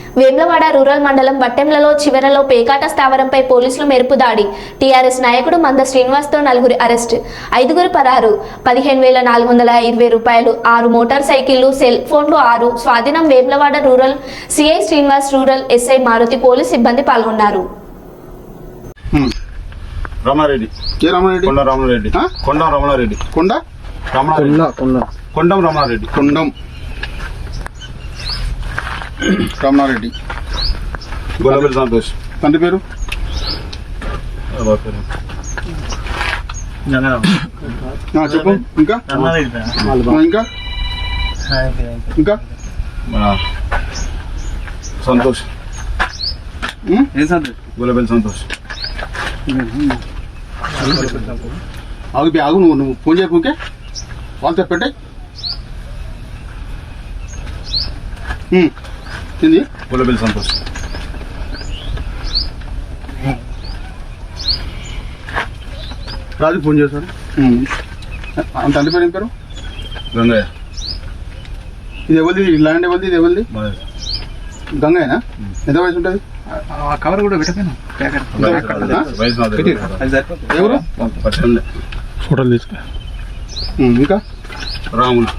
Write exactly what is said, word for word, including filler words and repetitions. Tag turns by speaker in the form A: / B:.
A: Vemulawada rural మండలం బట్టెంలలో చివరలో పేకాట స్థావరంపై పోలీసులు మెరుపు దాడి. టీఆర్ఎస్ నాయకుడు మంద శ్రీనివాస్తో నలుగురి అరెస్ట్, ఐదుగురు పరారు. పదిహేను వేల నాలుగు వందల ఇరవై రూపాయలు, ఆరు మోటార్ సైకిళ్లు, సెల్ ఫోన్లు ఆరు స్వాధీనం. Vemulawada rural CI Srinivas, rural SI Maruti, police సిబ్బంది పాల్గొన్నారు.
B: రమణారెడ్డి
C: కే రమణారెడ్డి
B: కొండ రమణారెడ్డి కొండ రమణారెడ్డి
C: కొండ
B: రమణారెడ్డి కొండం రమణారెడ్డి
C: కొండం రమణారెడ్డి
B: గొల్లబెల్లి సంతోష్.
C: తండ్రి పేరు ఆ, చెప్పు. ఇంకా ఆ, ఇంకా ఇంకా
B: మన సంతోష్
C: ఉం?
B: గొల్లబెల్లి సంతోష్.
C: ఆగు బి, ఆగు నువ్వు నువ్వు ఫోన్ చేయకు. ఓకే, వాళ్ళతో పెట్టాయి. ఏంది
B: గొల్లబెల్లి సంతోష్.
C: రాజు ఫోన్ చేశాడు. అంత తండ్రి పేరు ఏం పేరు?
B: గంగయ్య.
C: ఇది ఎవరిది? ఈ ల్యాండ్ ఎవరిది? ఇది ఎవరిది?
B: మనది.
C: గంగయ్యనా? ఎంత వయసు ఉంటుంది?
D: కవర్ కూడా పెట్టకపోయినా
B: వయసు నాది.
C: ఎవరు?
B: పద్దెనిమిది.
C: ఫోటోలు తీసుకో. ఇంకా
B: రాములు.